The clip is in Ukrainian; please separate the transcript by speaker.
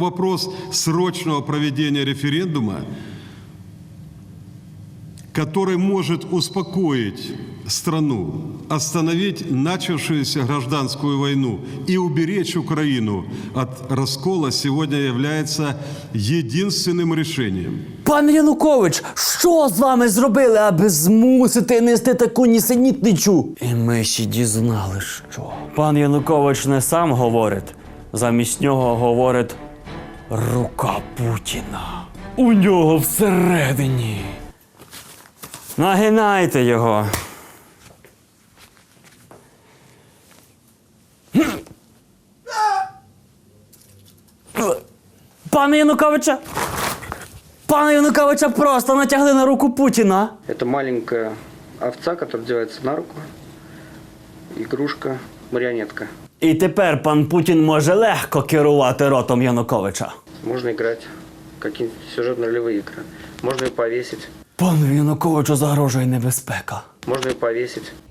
Speaker 1: вопрос срочного проведения референдума, который может успокоить страну, остановить начавшуюся гражданскую войну и уберечь Украину от раскола, сегодня является единственным решением.
Speaker 2: Пане Янукович, що з вами зробили, аби змусити нести таку нісенітничу? І ми ще дізнали, що. Пан Янукович не сам говорить, замість нього говорить рука Путіна. У нього всередині. Нагинайте його. Пане Януковича! Пане Януковича просто натягли на руку Путіна.
Speaker 3: Это маленькая овца, которая одевается на руку. Игрушка, марионетка.
Speaker 2: І тепер пан Путін може легко керувати ротом Януковича.
Speaker 3: Можно играть какие-то сюжетно-ролевые игры. Можно ее повесить.
Speaker 2: Пану Януковичу загрожує небезпека.
Speaker 3: Можно ее повесить.